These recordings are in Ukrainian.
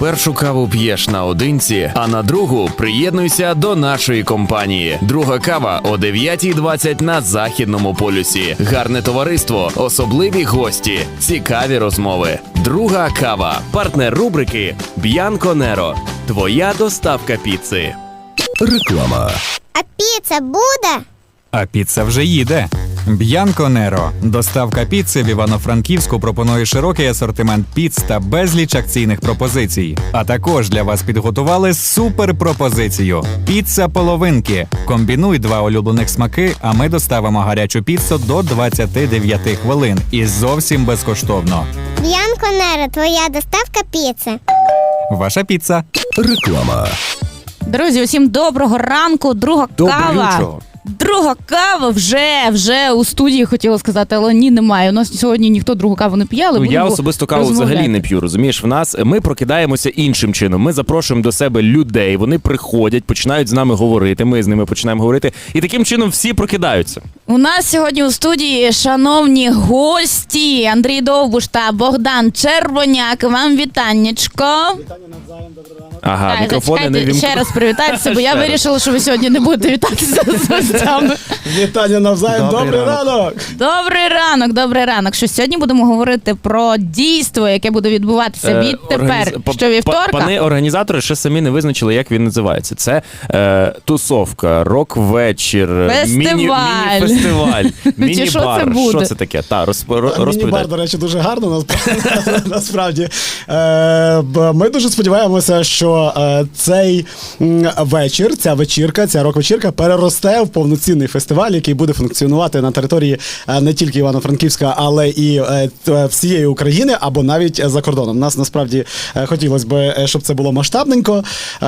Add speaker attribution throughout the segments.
Speaker 1: першу каву п'єш наодинці, а на другу приєднуйся до нашої компанії. Друга кава о 9:20 на Західному полюсі. Гарне товариство, особливі гості, цікаві розмови. Друга кава. Партнер рубрики Bianco Nero. Твоя доставка піци.
Speaker 2: Реклама.
Speaker 3: А піца буде?
Speaker 4: А піца вже їде. Bianco Nero. Доставка піци в Івано-Франківську пропонує широкий асортимент піц та безліч акційних пропозицій. А також для вас підготували суперпропозицію. Піца половинки. Комбінуй два улюблених смаки, а ми доставимо гарячу піцу до 29 хвилин. І зовсім безкоштовно.
Speaker 3: Bianco Nero, твоя доставка піци.
Speaker 4: Ваша піца.
Speaker 2: Реклама.
Speaker 5: Друзі, усім доброго ранку. Друга кава. Друга кава вже у студії, хотіла сказати, але ні, немає. У нас сьогодні ніхто другу каву не п'є, але
Speaker 1: Я особисто каву взагалі не п'ю, розумієш? Ми прокидаємося іншим чином. Ми запрошуємо до себе людей, вони приходять, починають з нами говорити, ми з ними починаємо говорити. І таким чином всі прокидаються.
Speaker 5: У нас сьогодні у студії шановні гості Андрій Довбуш та Богдан Червоняк. Вам вітаннячко.
Speaker 1: Ага,
Speaker 5: Так,
Speaker 1: мікрофони не
Speaker 5: зачекайте, ще раз привітайтеся, бо я вирішила, що ви сьогодні не будете вітатися з гостями.
Speaker 6: Вітання навзаєм, добрий ранок!
Speaker 5: Добрий ранок. Що сьогодні будемо говорити про дійство, яке буде відбуватися відтепер, що вівторка.
Speaker 1: Пани організатори ще самі не визначили, як він називається. Це тусовка, рок-вечір,
Speaker 5: Фестиваль.
Speaker 1: міні-фестиваль,
Speaker 5: Чи що це
Speaker 1: міні-бар.
Speaker 5: буде?
Speaker 1: Що це таке? Розповідай.
Speaker 6: Міні-бар, до речі, дуже гарно, насправді. Ми дуже сподіваємося, що цей вечір, ця вечірка, ця рок-вечірка переросте в повноцінний фестиваль, який буде функціонувати на території не тільки Івано-Франківська, але і всієї України, або навіть за кордоном. Нас насправді хотілося б, щоб це було масштабненько.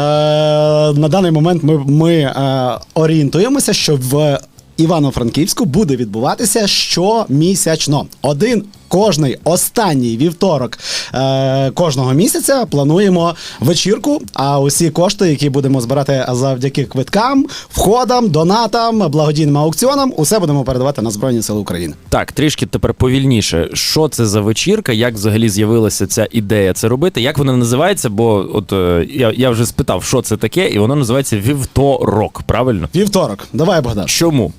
Speaker 6: На даний момент ми орієнтуємося, що в Івано-Франківську буде відбуватися щомісячно. Кожний останній вівторок кожного місяця плануємо вечірку, а усі кошти, які будемо збирати завдяки квиткам, входам, донатам, благодійним аукціонам, усе будемо передавати на Збройні Сили України.
Speaker 1: Так, трішки тепер повільніше. Що це за вечірка? Як взагалі з'явилася ця ідея це робити? Як вона називається? Бо от я вже спитав, що це таке, і воно називається Вівторок, правильно?
Speaker 6: Вівторок. Давай, Богдан.
Speaker 1: Чому?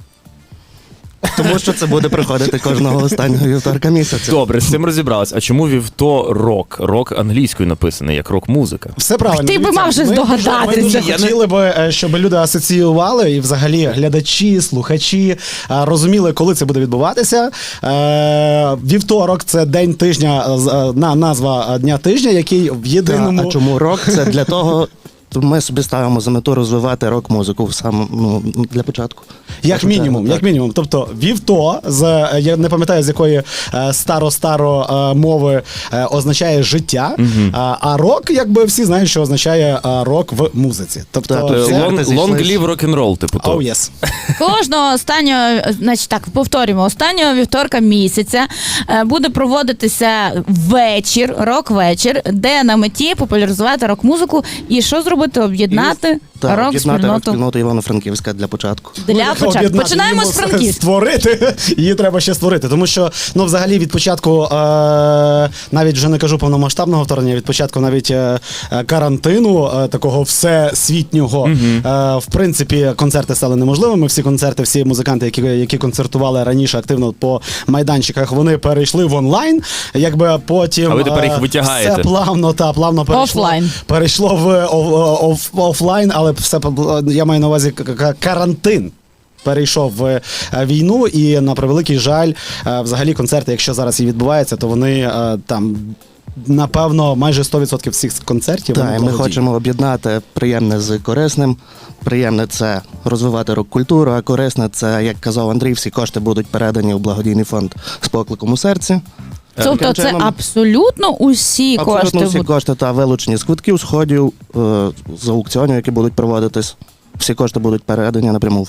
Speaker 7: Тому що це буде приходити кожного останнього вівторка місяця.
Speaker 1: Добре, з цим розібрались. А чому Вівторок? Рок англійською написаний, як рок-музика.
Speaker 6: Все правильно.
Speaker 5: Ти би мав вже здогадатися.
Speaker 6: Ми дуже хотіли би, щоб люди асоціювали і взагалі глядачі, слухачі розуміли, коли це буде відбуватися. Вівторок – це день тижня, назва дня тижня, який в єдиному...
Speaker 7: А чому рок? Це для того... Ми собі ставимо за мету розвивати рок-музику для початку.
Speaker 6: Як мінімум. Тобто вівто, я не пам'ятаю, з якої старо мови означає життя, а рок, якби всі знають, що означає рок в музиці. Тобто
Speaker 1: Long live rock'n'roll, типу того.
Speaker 6: Oh, yes.
Speaker 5: Кожного останнього, значить так, повторюємо, останнього вівторка місяця буде проводитися вечір, рок-вечір, де на меті популяризувати рок-музику і що зробити? Об'єднати
Speaker 7: рок-спільноту Івано-Франківська для початку.
Speaker 5: Починаємо з Франківська.
Speaker 6: Створити, її треба ще створити, тому що, взагалі, від початку, навіть вже не кажу повномасштабного вторгнення, від початку навіть карантину, такого всесвітнього, в принципі, концерти стали неможливими. Всі концерти, всі музиканти, які концертували раніше активно по майданчиках, вони перейшли в онлайн, якби потім...
Speaker 1: А ви тепер їх витягаєте.
Speaker 6: Все плавно перейшло в офлайн, але все, я маю на увазі карантин. Перейшов в війну, і на превеликий жаль, взагалі концерти, якщо зараз і відбуваються, то вони там, напевно, майже 100% всіх концертів.
Speaker 7: Так, ми хочемо об'єднати приємне з корисним. Приємне – це розвивати рок-культуру, а корисне – це, як казав Андрій, всі кошти будуть передані у благодійний фонд з покликом у серці.
Speaker 5: Тобто це абсолютно усі кошти?
Speaker 7: Абсолютно всі кошти, та вилучені з квитків, сходів, з аукціонів, які будуть проводитись. Всі кошти будуть передані напряму в фонд.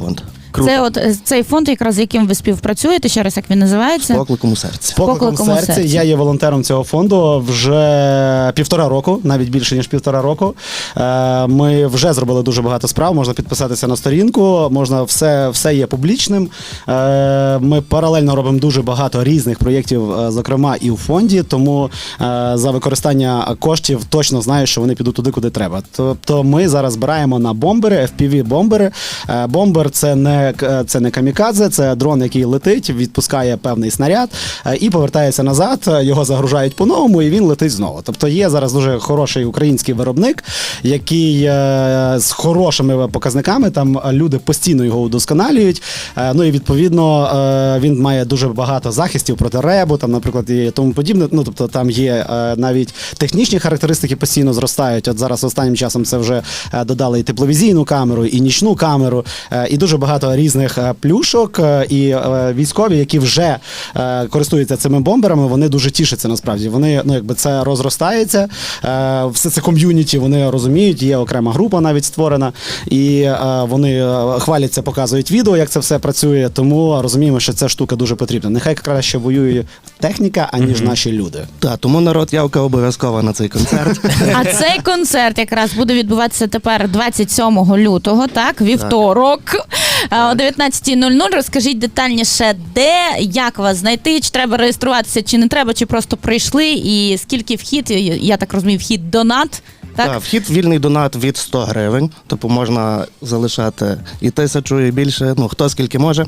Speaker 7: Круто.
Speaker 5: Це от цей фонд, якраз з яким ви співпрацюєте, ще раз, як він називається?
Speaker 7: З покликом у серці.
Speaker 6: Покликом
Speaker 5: «Покликом у
Speaker 6: серці».
Speaker 5: серці.
Speaker 6: Я є волонтером цього фонду вже 1,5 року, навіть більше, ніж 1,5 року. Ми вже зробили дуже багато справ, можна підписатися на сторінку, можна все є публічним. Ми паралельно робимо дуже багато різних проєктів, зокрема і у фонді, тому за використання коштів точно знаю, що вони підуть туди, куди треба. Тобто ми зараз збираємо на бомбери, FPV-бомбери. Бомбер – це не камікадзе, це дрон, який летить, відпускає певний снаряд і повертається назад, його загружають по-новому і він летить знову. Тобто є зараз дуже хороший український виробник, який з хорошими показниками, там люди постійно його удосконалюють. Ну і відповідно він має дуже багато захистів проти ребу, там, наприклад, і тому подібне. Ну, тобто там є навіть технічні характеристики постійно зростають. От зараз останнім часом це вже додали і тепловізійну камеру, і нічну камеру, і дуже багато різних плюшок, і військові, які вже користуються цими бомберами, вони дуже тішаться насправді. Вони, ну, якби це розростається, все це ком'юніті, вони розуміють, є окрема група навіть створена, і вони хваляться, показують відео, як це все працює, тому розуміємо, що ця штука дуже потрібна. Нехай краще воює техніка, аніж наші люди.
Speaker 7: Так, тому народ, явка обов'язкова на цей концерт.
Speaker 5: А цей концерт якраз буде відбуватися тепер 27 лютого, так, вівторок, о 19:00. Розкажіть детальніше, де, як вас знайти, чи треба реєструватися, чи не треба, чи просто прийшли, і скільки вхід, я так розумію, вхід донат, так?
Speaker 7: Так, вхід вільний донат від 100 гривень, тобто можна залишати і 1000, і більше, ну хто скільки може.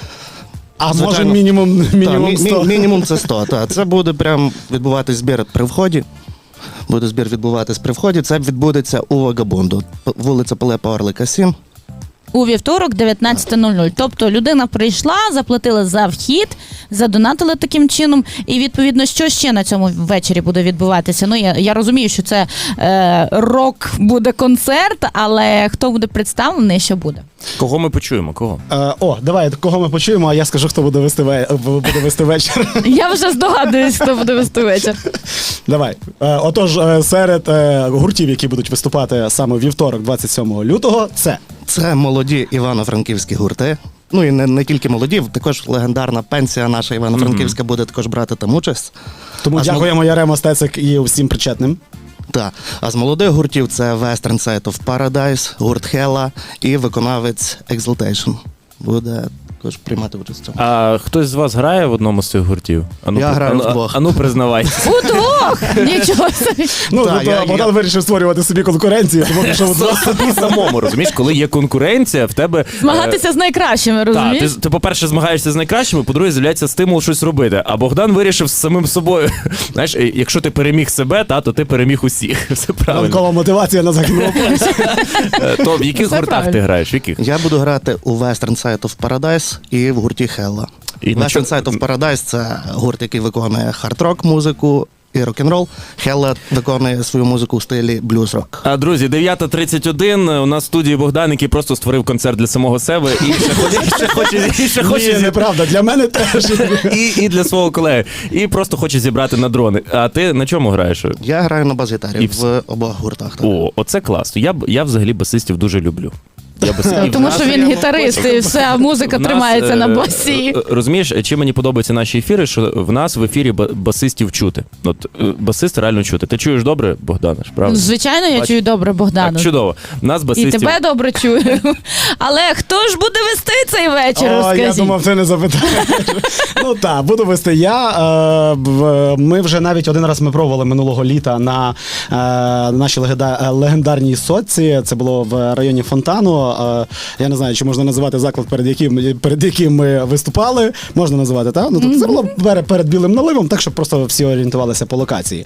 Speaker 6: А
Speaker 7: Звичайно.
Speaker 6: може мінімум
Speaker 7: Так,
Speaker 6: 100?
Speaker 7: мінімум це 100, так. Це буде прям відбуватись збір при вході. Буде збір відбуватись при вході. Це відбудеться у Вагабунду. Вулиця Пилипа Орлика, 7.
Speaker 5: У вівторок 19:00. Тобто людина прийшла, заплатила за вхід, задонатили таким чином. І відповідно, що ще на цьому ввечері буде відбуватися? Ну, я розумію, що це рок буде концерт, але хто буде представлений, що буде?
Speaker 1: Кого ми почуємо? Кого?
Speaker 6: Давай, кого ми почуємо, а я скажу, хто буде вести вечір.
Speaker 5: Я вже здогадуюсь, хто буде вести вечір.
Speaker 6: Давай. Отож, серед гуртів, які будуть виступати саме у вівторок, 27 лютого,
Speaker 7: Це молоді івано-франківські гурти. Ну і не тільки молоді, також легендарна пенсія наша Івано-Франківська буде також брати там участь.
Speaker 6: Тому
Speaker 7: А з
Speaker 6: дякуємо Яремо Стецик і всім причетним.
Speaker 7: Так. А з молодих гуртів це Western Side of Paradise, гурт Хела і виконавець Exaltation. Буде також приймати участь в цьому.
Speaker 1: А хтось з вас грає в одному з цих гуртів?
Speaker 7: Я граю вдвох.
Speaker 1: Ану, признавайтеся.
Speaker 5: Удвох! Нічого собі.
Speaker 6: Ну,
Speaker 7: Так,
Speaker 6: тобто
Speaker 7: я-
Speaker 6: Богдан вирішив створювати собі конкуренцію, тому пішов удвох.
Speaker 1: Собі самому, розумієш, коли є конкуренція, в тебе...
Speaker 5: Змагатися з найкращими,
Speaker 1: Так,
Speaker 5: розумієш?
Speaker 1: ти, по-перше, змагаєшся з найкращими, по-друге, з'являється стимул щось робити. А Богдан вирішив з самим собою. Знаєш, якщо ти переміг себе, то ти переміг усіх. Все правильно.
Speaker 6: Ранкова мотивація на західному полюсі.
Speaker 1: То в яких
Speaker 5: Все
Speaker 1: гуртах
Speaker 5: правильно.
Speaker 1: ти граєш? В яких?
Speaker 7: Я буду грати у Western Side of Paradise і в гурті Hella.
Speaker 1: І на
Speaker 7: Western Side of Paradise – це гурт, який виконує хард-рок музику і рок-н-рол. Hella виконує свою музику в стилі блюз-рок.
Speaker 1: А, друзі, 9:31. У нас в студії Богдан, який просто створив концерт для самого себе і ще хоче
Speaker 6: Ні, неправда, для мене теж.
Speaker 1: і для свого колеги. І просто хоче зібрати на дрони. А ти на чому граєш?
Speaker 7: Я граю на бас-гітарі
Speaker 1: І
Speaker 7: в обох гуртах. Так.
Speaker 1: О, оце класно. Я взагалі басистів дуже люблю.
Speaker 5: Тому що він гітарист, і вся музика
Speaker 1: В нас,
Speaker 5: тримається на басі.
Speaker 1: Розумієш, чим мені подобаються наші ефіри, що в нас в ефірі басистів чути. От басист реально чути. Ти чуєш добре, Богдане, ж, правда?
Speaker 5: Звичайно, я
Speaker 1: Бач-
Speaker 5: чую добре Богдану.
Speaker 1: Так, чудово. Нас
Speaker 5: І
Speaker 1: басистів...
Speaker 5: тебе добре чую. Але хто ж буде вести цей вечір,
Speaker 6: О, я
Speaker 5: розкажіть?
Speaker 6: думав, ти не запитаєш. Ну так, буду вести я. Ми вже навіть один раз ми пробували минулого літа на нашій легендарній сотці. Це було в районі Фонтану. Я не знаю, чи можна називати заклад, перед яким ми виступали. Можна називати, так? Ну, тобто це було перед Білим наливом, так, щоб просто всі орієнтувалися по локації.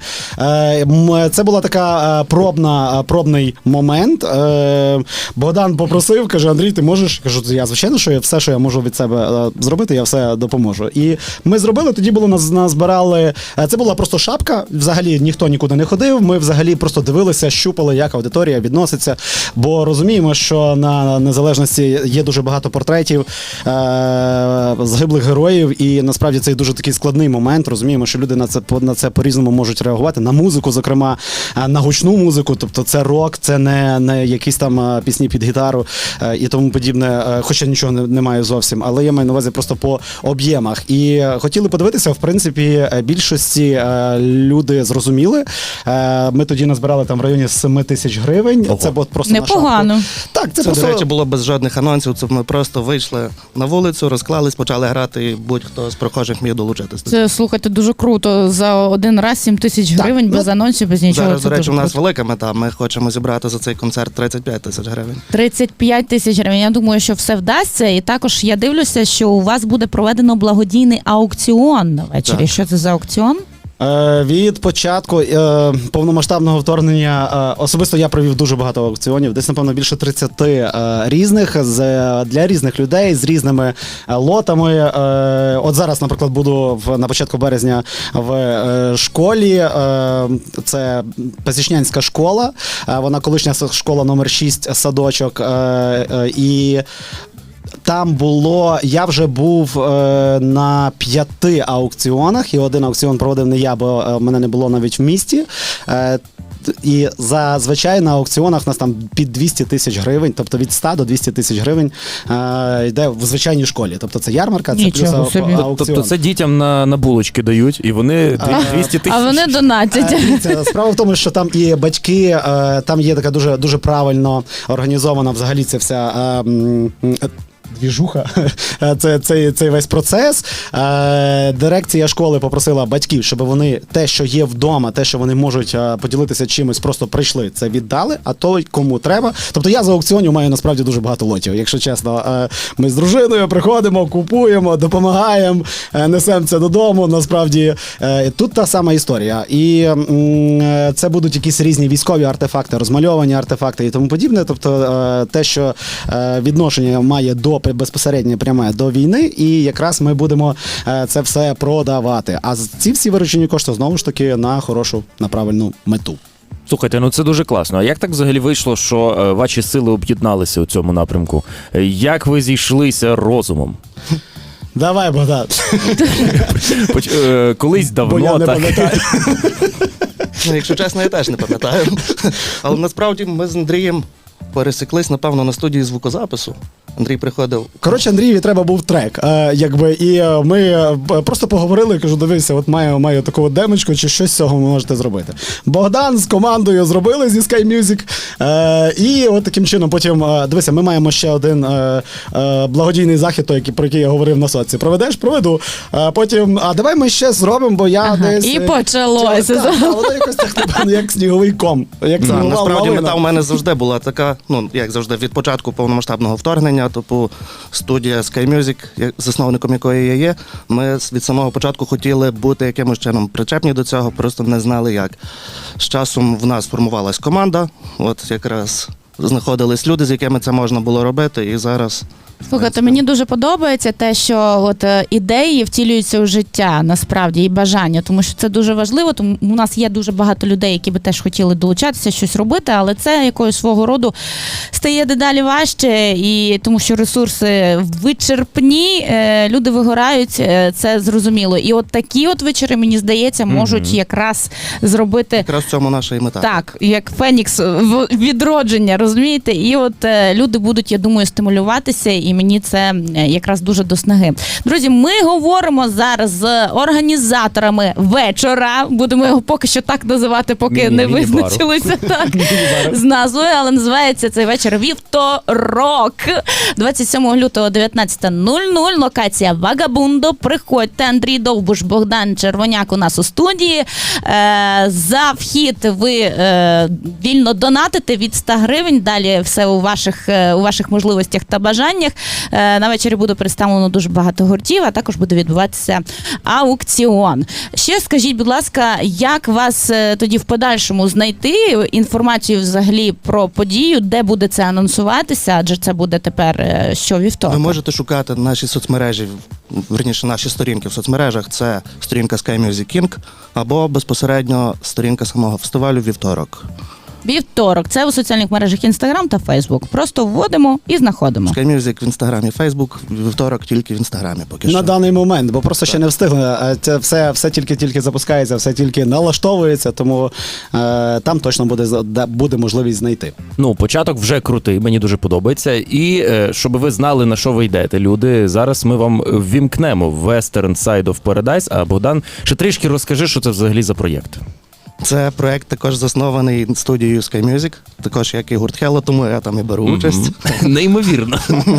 Speaker 6: Це була така пробний момент. Богдан попросив, каже: Андрій, ти можеш? Кажу, я, звичайно, що все, що я можу від себе зробити, я все допоможу. І ми зробили, тоді було назбирали. Це була просто шапка, взагалі ніхто нікуди не ходив. Ми взагалі просто дивилися, щупали, як аудиторія відноситься. Бо розуміємо, що на Дня Незалежності є дуже багато портретів загиблих героїв, і насправді це дуже такий складний момент. Розуміємо, що люди на це по-різному можуть реагувати. На музику, зокрема, на гучну музику, тобто це рок, це не якісь там пісні під гітару і тому подібне, хоча нічого немає зовсім, але я маю на увазі просто по об'ємах. І хотіли подивитися, в принципі, більшості люди зрозуміли. Ми тоді назбирали там в районі 7 тисяч гривень.
Speaker 2: Ого.
Speaker 6: Це було просто
Speaker 5: Непогано.
Speaker 6: на шапку. Так, це
Speaker 7: Це,
Speaker 6: просто...
Speaker 7: до речі, було без жодних анонсів. Це ми просто вийшли на вулицю, розклались, почали грати, і будь-хто з прохожих міг долучитися.
Speaker 5: Це, слухайте, дуже круто. За один раз 7 тисяч гривень, без анонсів, без нічого.
Speaker 7: Зараз,
Speaker 5: Це
Speaker 7: до речі,
Speaker 5: дуже
Speaker 7: у нас
Speaker 5: круто.
Speaker 7: велика мета. Ми хочемо зібрати за цей концерт 35 тисяч гривень.
Speaker 5: 35 тисяч гривень. Я думаю, що все вдасться. І також я дивлюся, що у вас буде проведено благодійний аукціон на вечорі.
Speaker 7: Так.
Speaker 5: Що це за аукціон?
Speaker 6: Від початку повномасштабного вторгнення особисто я провів дуже багато аукціонів, десь, напевно, більше 30 різних для різних людей з різними лотами. От зараз, наприклад, буду на початку березня в школі. Це Пасічнянська школа. Вона колишня школа номер 6 садочок. І там було, я вже був на 5 аукціонах, і один аукціон проводив не я, бо мене не було навіть в місті. І зазвичай на аукціонах у нас там під 200 тисяч гривень, тобто від 100 до 200 тисяч гривень йде в звичайній школі. Тобто це ярмарка, це
Speaker 5: Нічого
Speaker 6: плюс
Speaker 5: собі.
Speaker 6: аукціон.
Speaker 2: Тобто це дітям на булочки дають, і вони 200 тисяч.
Speaker 5: А вони донатять.
Speaker 6: Дивіться, справа в тому, що там і батьки, там є така дуже, дуже правильно організована взагалі ця вся двіжуха, цей весь процес. Дирекція школи попросила батьків, щоб вони те, що є вдома, те, що вони можуть поділитися чимось, просто прийшли, це віддали, а той, кому треба. Тобто я за аукціонів маю насправді дуже багато лотів, якщо чесно. Ми з дружиною приходимо, купуємо, допомагаємо, несемо це додому. Насправді тут та сама історія. І це будуть якісь різні військові артефакти, розмальовані артефакти і тому подібне. Тобто те, що відношення має до безпосередньо пряме до війни, і якраз ми будемо це все продавати. А ці всі виручені кошти знову ж таки на хорошу, на правильну мету.
Speaker 2: Слухайте, ну це дуже класно. А як так взагалі вийшло, що ваші сили об'єдналися у цьому напрямку? Як ви зійшлися розумом?
Speaker 6: Давай, Богдан.
Speaker 2: Колись
Speaker 6: Бо я
Speaker 2: давно
Speaker 6: не
Speaker 2: так.
Speaker 6: пам'ятаю.
Speaker 7: Ну, якщо чесно, я теж не пам'ятаю. Але насправді ми з Андрієм пересіклись, напевно, на студії звукозапису. Андрій приходив.
Speaker 6: Коротше, Андрієві треба був трек. І ми просто поговорили, кажу, дивися, от маю таку от демочку, чи щось з цього ви можете зробити. Богдан з командою зробили зі Sky Music. І от таким чином потім, дивися, ми маємо ще один благодійний захід, про який я говорив на соці. Проведеш? Проведу. Потім, давай ми ще зробимо, бо я десь...
Speaker 5: І почалося.
Speaker 6: Так, воно якось так, напевно, як сніговий ком. Як снігова
Speaker 7: Насправді
Speaker 6: лавина.
Speaker 7: мета у мене завжди була така, ну, як завжди, від початку повномасштабного вторгнення, типу студія Sky Music, засновником якої я є, ми від самого початку хотіли бути якимось чином причепні до цього, просто не знали як. З часом в нас формувалась команда, от якраз знаходились люди, з якими це можна було робити, і зараз...
Speaker 5: Слухайте, мені дуже подобається те, що от ідеї втілюються у життя, насправді, і бажання, тому що це дуже важливо, тому у нас є дуже багато людей, які би теж хотіли долучатися, щось робити, але це якогось свого роду стає дедалі важче, і тому що ресурси вичерпні, люди вигорають, це зрозуміло. І от такі от вечори, мені здається, можуть якраз зробити...
Speaker 7: Якраз в цьому наша і мета.
Speaker 5: Так, як Фенікс відродження, розумієте? І от люди будуть, я думаю, стимулюватися, і мені це якраз дуже до снаги. Друзі, ми говоримо зараз з організаторами вечора. Будемо його поки що так називати, поки не
Speaker 2: Міні-бару.
Speaker 5: визначилися так з назвою, але називається цей вечір «Вівторок». 27 лютого 19:00. Локація Вагабундо. Приходьте. Андрій Довбуш, Богдан Червоняк у нас у студії. За вхід ви вільно донатите від 100 гривень. Далі все у ваших можливостях та бажаннях. На вечорі буде представлено дуже багато гуртів, а також буде відбуватися аукціон. Ще скажіть, будь ласка, як вас тоді в подальшому знайти інформацію взагалі про подію, де буде це анонсуватися, адже це буде тепер щовівторка.
Speaker 7: Ви можете шукати наші соцмережі, верніше наші сторінки в соцмережах. Це сторінка Sky Music King або безпосередньо сторінка самого фестивалю «Вівторок».
Speaker 5: Вівторок. Це у соціальних мережах Instagram та Facebook. Просто вводимо і знаходимо.
Speaker 7: Sky Music в інстаграмі, Фейсбук, вівторок тільки в інстаграмі поки що.
Speaker 6: На даний момент, бо просто ще не встигли. Це все тільки запускається, все тільки налаштовується, тому там точно буде можливість знайти.
Speaker 2: Ну, початок вже крутий, мені дуже подобається. І щоб ви знали, на що ви йдете, люди, зараз ми вам ввімкнемо Western Side of Paradise. А Богдан, ще трішки розкажи, що це взагалі за проєкт.
Speaker 7: Це проект також заснований студією Sky Music, також як і гурт Hello, тому я там і беру участь.
Speaker 2: Неймовірно.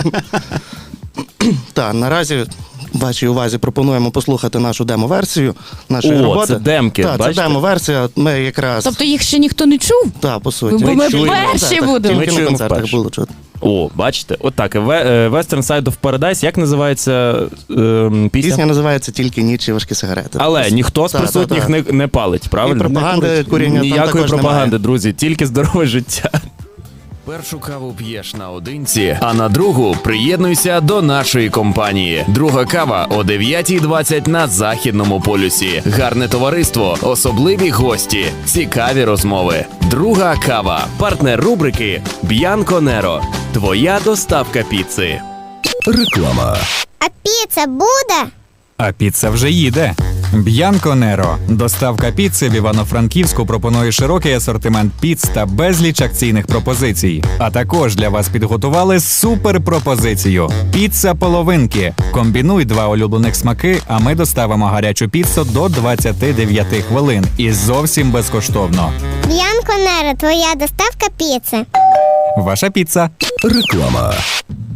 Speaker 7: Так, наразі вашій увазі пропонуємо послухати нашу демо-версію нашої роботи.
Speaker 2: Це демки,
Speaker 7: Так,
Speaker 2: бачите?
Speaker 7: це демо-версія. Ми якраз
Speaker 5: Тобто їх ще ніхто не чув?
Speaker 7: Так, по суті.
Speaker 5: Бо ми
Speaker 2: чуємо.
Speaker 5: перші
Speaker 7: Так,
Speaker 5: будемо.
Speaker 2: Ми
Speaker 7: тільки на
Speaker 2: чуємо
Speaker 7: концертах
Speaker 2: вперше.
Speaker 7: було чути.
Speaker 2: О, бачите, отак. Western Side of Paradise, як називається пісня?
Speaker 7: Пісня називається «Тільки ніч і важкі сигарети».
Speaker 2: Але ніхто з
Speaker 7: Так,
Speaker 2: присутніх
Speaker 7: так,
Speaker 2: не палить, правильно?
Speaker 7: І пропаганди куріння там
Speaker 2: Ніякої
Speaker 7: також
Speaker 2: пропаганди,
Speaker 7: немає.
Speaker 2: друзі, тільки здорове життя.
Speaker 1: Першу каву п'єш наодинці, а на другу приєднуйся до нашої компанії. Друга кава о 9:20 на Західному полюсі. Гарне товариство, особливі гості, цікаві розмови. Друга кава. Партнер рубрики Б'янко Неро. Твоя доставка піци. Реклама.
Speaker 3: А піца буде?
Speaker 4: А піца вже їде. Б'янко Неро. Доставка піци в Івано-Франківську пропонує широкий асортимент піц та безліч акційних пропозицій. А також для вас підготували суперпропозицію. Піца половинки. Комбінуй 2 улюблених смаки, а ми доставимо гарячу піцу до 29 хвилин. І зовсім безкоштовно.
Speaker 3: Б'янко Неро, твоя доставка піци.
Speaker 4: Ваша піца.
Speaker 1: Реклама.